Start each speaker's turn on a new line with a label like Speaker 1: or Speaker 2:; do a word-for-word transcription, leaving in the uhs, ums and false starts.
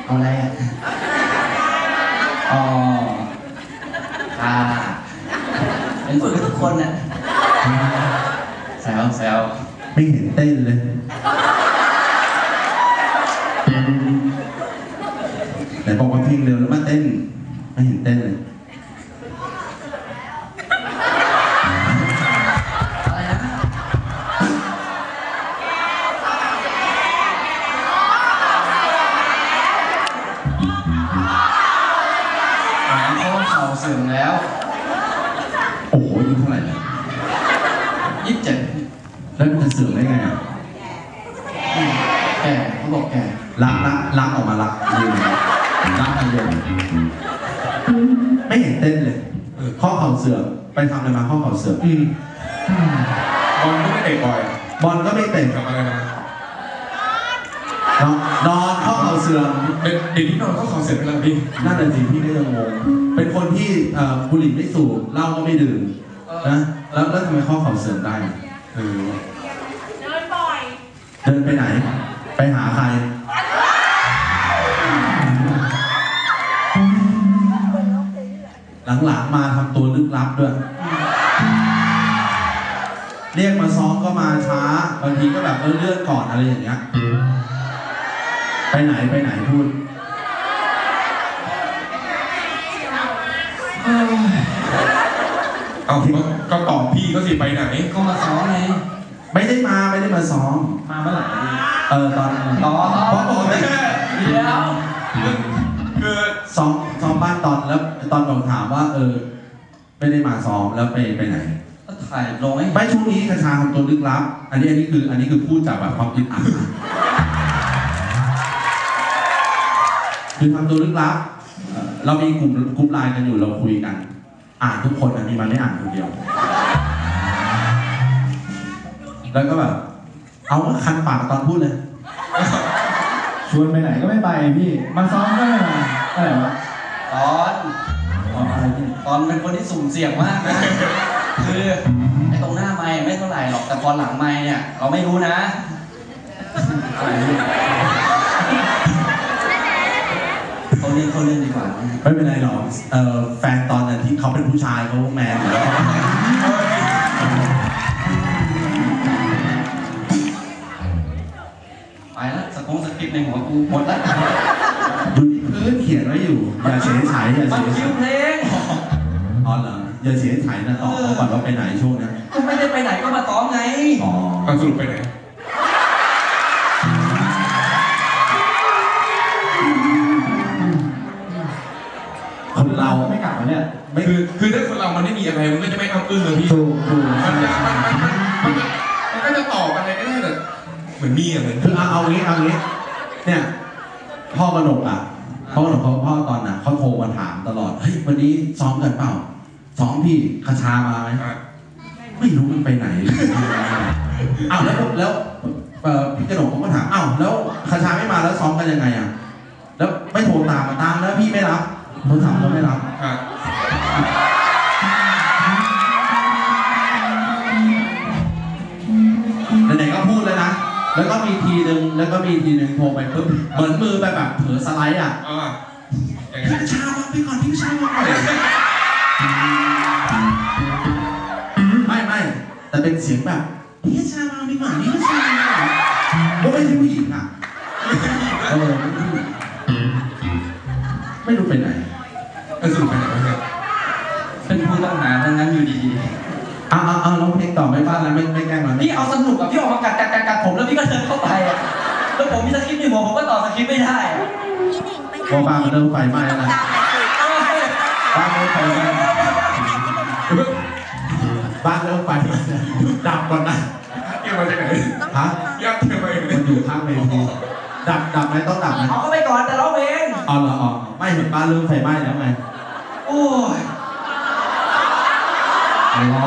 Speaker 1: เอาอะไรอ่ะอ๋อค่ะเป็นฝึกกับทุกคนน่ะแซวแซว
Speaker 2: ไม่เห็นเต้นเลยแต่บอกว่าเพลงเร็วแล้วมาเต้นไม่เห็นเต้นเลย
Speaker 1: อะไรนะหาข้อเข่าเสื่อมแล้ว
Speaker 2: โอ้โหอายุเท่าไหร่แล้ว
Speaker 1: ยี่สิบเจ็ด
Speaker 2: แล้วมันจะเสื่อมได้ไงอ่ะ
Speaker 1: แก่เขาบอกแก่
Speaker 2: รักรักรักออกมารักยืนรักอารมณ์ไม่เห็นเต้นเลยข้อเข่าเสื่อมไปทำอะไรมาข้อเข่าเสื่อมอืม
Speaker 3: บอลก็ไม่เตะบ่อย
Speaker 2: บอลก็ไม่เตะ
Speaker 3: ทำอะไรมาน
Speaker 2: อนนอนข้อเข่าเสื่อม
Speaker 3: เดี๋ยวนี้นอนข้อเข่าเสื่อมไปแล้วพี่
Speaker 2: นั่นแหละสิพี่ก็ยังงงเป็นคนที่บุหรี่ไม่สูบเหล้าก็ไม่ดื่มนะแล้วแล้วทำไมข้อเข่าเสื่อมได้
Speaker 3: เออ
Speaker 4: เดินบ่อย
Speaker 2: เดินไปไหนไปหาใครหลังๆมาทำตัวลึกลับด้วยเรียกมาซ้อมก็มาช้าบางทีก็แบบเออเลื่อนก่อนอะไรอย่างเงี้ยไปไหนไปไหนพูด
Speaker 3: เอาก็ตอบพี่ก็สิไปไหน
Speaker 1: ก็มาซ้อมไง
Speaker 2: ไม่ได้มาไม่ได้มาซ้อม
Speaker 1: มาเมื่อไหร่
Speaker 2: เออตอน
Speaker 1: ตอน
Speaker 2: เพราะปกติ
Speaker 1: เดี๋ยว
Speaker 3: คือ
Speaker 2: ซ้อมซ้อมบ้านตอนแล้วตอนผมถามว่าเออไม่ได้มาซ้อมแล้วไปไปไหน
Speaker 1: ก็ถ่ายลงไอ้
Speaker 2: ไม่ช่วงนี้กระชาทำตัวลึกลับอันนี้อันนี้คืออันนี้คือพูดจากแบบความคิดอ่านคือทำตัวลึกลับเรามีกลุ่มกลุ่มไลน์กันอยู่เราคุยกันอ่านทุกคนอันนี้มันไม่อ่านคนเดียวแล้วก็แบบเอาคันปากตอนพูดเลย
Speaker 5: ชวนไปไหนก็ไม่ไปพี่มาซ้อมก็ไม่มาอะไรวะ
Speaker 1: ตอนตอนอะไรพี่ตอนเป็นคนที่สุ่มเสี่ยงมากนะคือไอ้ตรงหน้าไมค์ไม่เท่าไหร่หรอกแต่พอหลังไมค์เนี่ยเราไม่รู้นะอะไรพี่เขาเล่นเขาเล่นดีกว่า
Speaker 2: ไม่เป็นไรหรอกเอ่อแฟนตอนนั้นที่เขาเป็นผู้ชายเขาแมนอยู่แล้ว
Speaker 1: ไปแล้วสกงสคริปต์ในหัวกูหมดแล้ว
Speaker 2: ดูพื้นเขียนไว้อยู่อย่าเฉยฉายอย่าเฉยฉาย
Speaker 1: เพลง
Speaker 2: อ๋อเหรออย่าเฉยฉายนะตอบเขาก่อนว่าไปไหนช่วงนั้น
Speaker 1: ก็ไม่ได้ไปไหนก็มาซ้อมไง
Speaker 2: อ๋อ
Speaker 3: สรุปไปไหน
Speaker 2: คนเรา
Speaker 5: ไม่กลับมาเนี่ย
Speaker 2: ไม่
Speaker 3: คือคือถ้าคนเรามันไม่มีอะไรมันก็จะไม่อ้ำอึ้งเลยพี่
Speaker 2: ถูกถูก
Speaker 3: มันจะมันมันมันมันก็จะตอบอะไรก็ได้แต่เหมือนมีอะไร
Speaker 2: คือเอาเอางี้เอางี้เนี่ยพ่อกนกอ่ะพ่อกนกเขาพ่อตอนน่ะเขาโทรมาถามตลอดเฮ้ยวันนี้ซ้อมกันเปล่าซ้อมพี่คาชามาไหมไม่รู้มันไปไหนอ้าวแล้วแล้วพี่กนกเขาก็ถามอ้าวแล้วคาชาไม่มาแล้วซ้อมกันยังไงอ่ะแล้วไม่โทรตามมาตามแล้วพี่ไม่รับโทรถามก็ไม่รับไหนๆก็พูดเลยนะแล้วก็มีทีหนึ่งแล้วก็มีทีหนึ่งโทรไปปุ๊บเหมือนมือไปแบบเผลอสไลด์อ่ะพี่ชามาไปก่อนพี่ชามาก่อนไม่ไม่แต่เป็นเสียงแบบพี่ชามาไม่ก่อนพี่ชามาก็ไม่ใช่ผู้หญิงอ่ะเออไม่รู้ไปไหน
Speaker 3: ก็สรุปไปไหนวะเนี่ย
Speaker 1: เป็นผู้ต้องหาทั้งนั้นอยู่ดี
Speaker 2: ๆเอาเอาเอาร้องเพลงต่อไม่บ้านแล้วไม่ไม่แกล้งมัน
Speaker 1: พี่เอาสนุกกับพี่ออกมากัดกัดกัดกัดผมแล้วพี่ก็เดินเข้าไปอ่ะแล้วผมมีสคริปต์ในหัวผมก็ต่อสคริปต์ไม่ได้อ่ะ
Speaker 2: พอบ้านมันเริ่มไฟไหม้แล้วนะบ้านเริ่มไฟไหม้บ้านเริ่มไฟไหม้ดับก่อนนะ
Speaker 3: เกี่ยวมาจากไหน
Speaker 2: ฮะ
Speaker 3: ยักษ์เกี่ยวมาอย่างไร
Speaker 2: มันอยู่ข้างเวทีดับดับไหมต้องดับไหม
Speaker 1: เอาเข้าไปก่อนแต่ร้องเพลง
Speaker 2: อ๋อเหรออ๋อไม่เห็นบ้านเริ่มไฟไหม้แล้วไง
Speaker 1: โอ้ย